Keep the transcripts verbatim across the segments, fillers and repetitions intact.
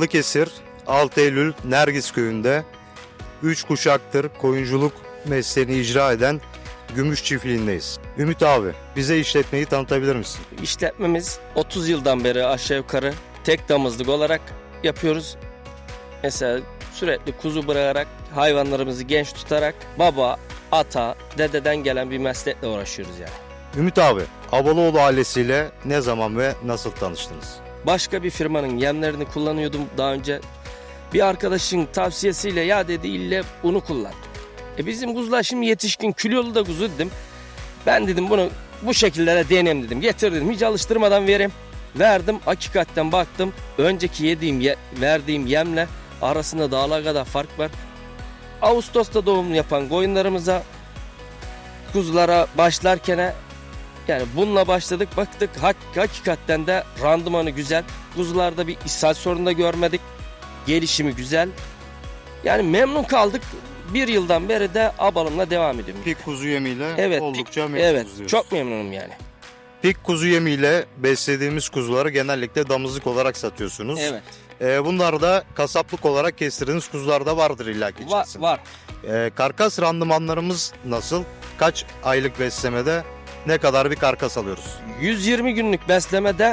Balıkesir, altı Eylül, Nergis köyünde üç kuşaktır koyunculuk mesleğini icra eden Gümüş Çiftliği'ndeyiz. Ümit abi, bize işletmeyi tanıtabilir misin? İşletmemiz otuz yıldan beri aşağı yukarı tek damızlık olarak yapıyoruz. Mesela sürekli kuzu bırakarak, hayvanlarımızı genç tutarak baba, ata, dededen gelen bir meslekle uğraşıyoruz yani. Ümit abi, Abaloğlu ailesiyle ne zaman ve nasıl tanıştınız? Başka bir firmanın yemlerini kullanıyordum daha önce. Bir arkadaşın tavsiyesiyle ya dedi ille bunu kullan. E bizim kuzular şimdi yetişkin kilolu da kuzu dedim. Ben dedim bunu bu şekillere deneyim dedim. Getir dedim hiç alıştırmadan vereyim. Verdim hakikaten baktım. Önceki yediğim ye, verdiğim yemle arasında dağlar kadar fark var. Ağustos'ta doğum yapan koyunlarımıza kuzulara başlarken yani bununla başladık baktık hak, hakikaten de randımanı güzel. Kuzularda bir ishal sorunu da görmedik. Gelişimi güzel. Yani memnun kaldık. Bir yıldan beri de abalımla devam ediyorum. Pik kuzu yemiyle Evet, oldukça pik- memnunuz Evet, diyorsun. çok memnunum yani. Pik kuzu yemiyle beslediğimiz kuzuları genellikle damızlık olarak satıyorsunuz. Evet. Ee, bunlar da kasaplık olarak kestirdiğiniz kuzular da vardır illaki Var, içerisinde. var. Ee, karkas randımanlarımız nasıl? Kaç aylık beslemede ne kadar bir karkas alıyoruz? yüz yirmi günlük beslemede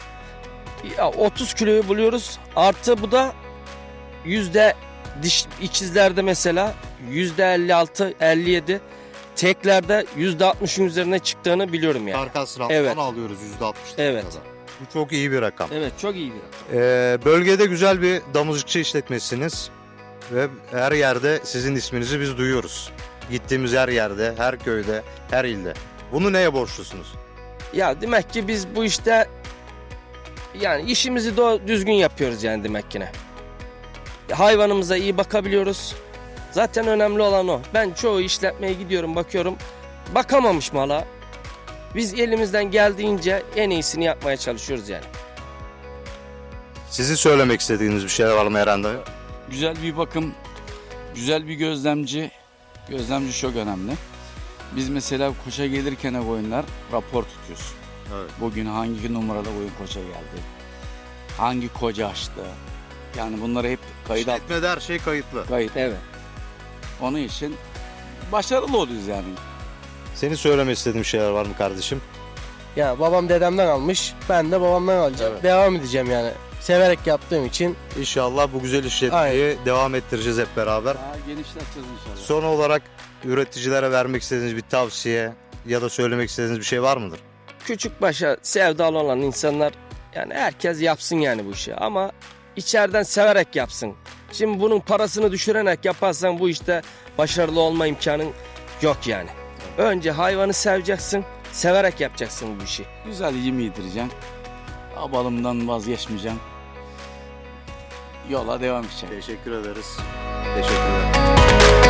ya otuz kiloyu buluyoruz. Artı bu da yüzde diş ikizlerde mesela yüzde elli altı elli yedi teklerde yüzde altmışın üzerine çıktığını biliyorum yani. Karkas randımanı Evet. alıyoruz yüzde altmış. Evet. Bu çok iyi bir rakam. Evet çok iyi bir rakam. Ee, bölgede güzel bir damızlıkçı işletmesiniz ve her yerde sizin isminizi biz duyuyoruz. Gittiğimiz her yerde, her köyde, her ilde. Bunu neye borçlusunuz? Ya demek ki biz bu işte yani işimizi de düzgün yapıyoruz yani demek ki ne. Hayvanımıza iyi bakabiliyoruz. Zaten önemli olan o. Ben çoğu işletmeye gidiyorum bakıyorum. Bakamamış mala. Biz elimizden geldiğince en iyisini yapmaya çalışıyoruz yani. Sizin söylemek istediğiniz bir şeyler var mı Eren dayı? Güzel bir bakım, güzel bir gözlemci. Gözlemci çok önemli. Biz mesela koça gelirken koyunlar rapor tutuyoruz. Evet. Bugün hangi numarada koyun koça geldi? Hangi koca açtı? Yani bunları hep kayıt alt, İşletmede her şey kayıtlı. kayıt. Evet. Onun için başarılı oluyoruz yani. Senin söylemek istediğin şeyler var mı kardeşim? Ya babam dedemden almış, ben de babamdan alacağım. Evet. Devam edeceğim yani. Severek yaptığım için. İnşallah bu güzel işletmeyi devam ettireceğiz hep beraber. Daha genişleteceğiz inşallah. Son olarak üreticilere vermek istediğiniz bir tavsiye ya da söylemek istediğiniz bir şey var mıdır? Küçük başa sevdalı olan insanlar yani herkes yapsın yani bu işi ama içeriden severek yapsın. Şimdi bunun parasını düşürerek yaparsan bu işte başarılı olma imkanın yok yani. Önce hayvanı seveceksin, severek yapacaksın bu işi. Güzel yem yedireceğim. Abalımdan vazgeçmeyeceğim. Yola devam edeceğim. Teşekkür ederiz. Teşekkürler.